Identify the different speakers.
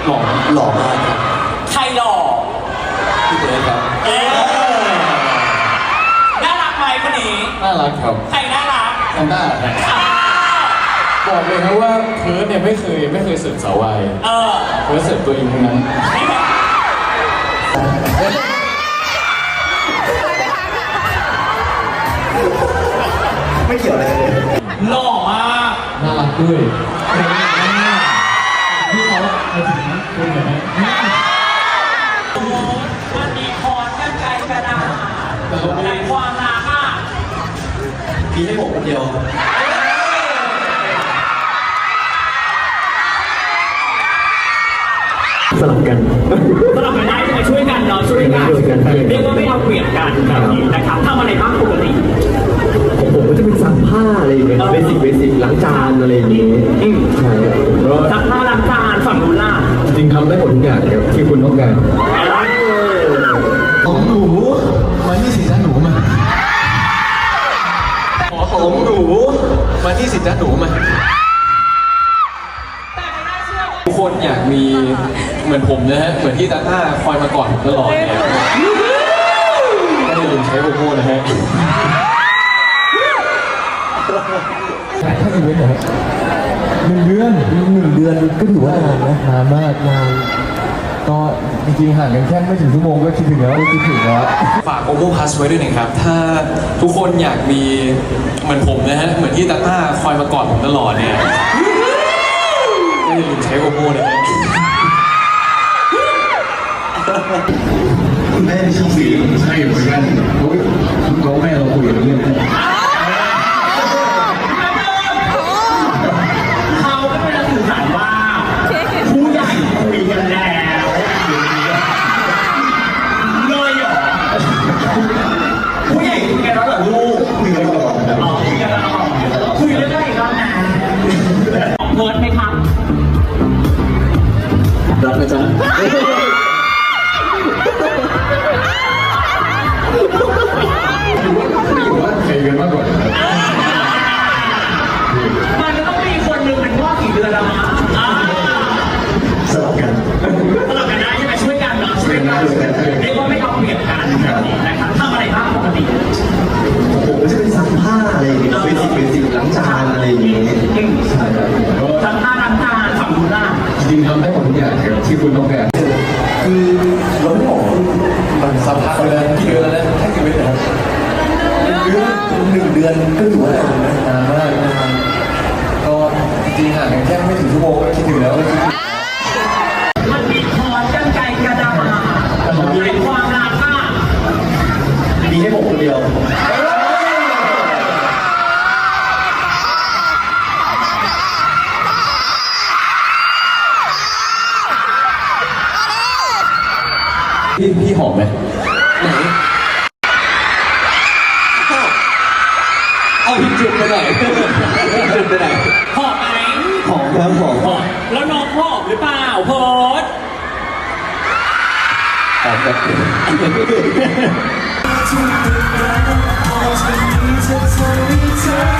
Speaker 1: หล่อมากครับ
Speaker 2: ใครหล่อ
Speaker 1: พี่เบิร์ดครับ
Speaker 2: น่ารักไหมคนนี้
Speaker 1: น่ารักครับ
Speaker 2: ใครน่ารัก
Speaker 1: หน้าบอกเลยนะว่าเพิร์ดเนี่ยไม่เคยเสิร์ฟสาววายเพิร์ดเสิร์ฟตัวเองทั้งนั้นไม่เกี่ยวอะไรเลย
Speaker 2: หล่อมาก
Speaker 1: น่ารักด้วยพี่เขาไปถึงคุณเหรอ
Speaker 2: มันมีคอนกันไกลกระดาษในความรักอ่ะ
Speaker 1: มีให้ผมคนเดียวสลับกัน
Speaker 2: ได้มาช่วยกันเนาะช่วยกันเรียกว่าไม่เอาเปรียบกันแบบนี้นะครับทำอะไรบ้างปกติ
Speaker 1: ผมก็จะเป็นซักผ้าอะไรอย่างเงี้ยเบสิกล้างจานอะไรอย่างเงี้ยใช่
Speaker 2: ซักผ้าล้างจานฝั่งนู้นล่ะ
Speaker 1: จริงทำได้หมดทุกอย่างครับที่คุณต้องการของหนูมาที่สิจ้าหนูมาของหนูมาที่สิจ้าหนูมาทุกคนอยากมีเหมือนผมนะฮะเหมือนที่ตาต้าคอยมาก่อนตลอดเนี่ยก็อย่าลืมใช้โอโม่นะฮะถ้าอีเวนต์เหรอ1 เดือนก็ถือว่านานนะนานมากนานก็จริงๆห่างกันแค่ไม่ถึงชั่วโมงก็คิดถึงแล้วฝากโอโม่พลัสไว้ด้วยนะครับถ้าทุกคนอยากมีเหมือนผมนะฮะเหมือนที่ตาต้าคอยมาก่อนผมตลอดเนี่ยก็อย่าลืมใช้โอโม่นะฮะคุณแม่ในช่องสีใช่เหมือนกันเขาแม่เราคุยกันเรื่อง
Speaker 2: เขาก็เป็นสื่อสารว่าผู้ใหญ่คุยกันแล้วเลยเหรอผู้ใหญ่คุยกันแล้วเหรอลูกคุยกันแล้วคุยกันแล้วคุยเรื่องอะไรกันนะเพิร์ดไหมครับ
Speaker 1: รักนะจ๊ะใครกันมากกว่า
Speaker 2: มันจะต้องมีคนหนึ่งเป็นพ่อกี่เดือนแล้วนะ
Speaker 1: สลับกัน
Speaker 2: ได้ใช่ไหมช่วยกันเนาะช่วยกันเรียกว่าไม่เอาเปรียบกันนะครับทำอะไรบ้างปกติ
Speaker 1: ผมก็จะเป็นซักผ้าอะไรอย่างเงี้ยเบสิกล้างจานอะไรอย่างเงี้ยใช่
Speaker 2: ซักผ้าล้างจานฝั่งนู้นล่ะ
Speaker 1: จริงทำได้หมดทุกอย่างครับที่คุณต้องการคือเราไม่บอกมันซักผ้าไปแล้วกี่เดือนแล้วนะแค่กี่เดือนนะครับ1 เดือนก็ถือว่านานมากก็จริงห่างกันแค่ไม่ถึงชั่วโมงก็คิดถึงแล้ว
Speaker 2: มันมีคอนกันไกลกระดาษในความรักอ่ะ
Speaker 1: มีให้ผมคนเดียวพี่หอมไหมไหนเอาพี่จุดไปไหนจุดไปไหน
Speaker 2: หอมไหม
Speaker 1: หอมครับหอม
Speaker 2: แล้วน้องหอมหรือเปล่าโพส
Speaker 1: หอมครับ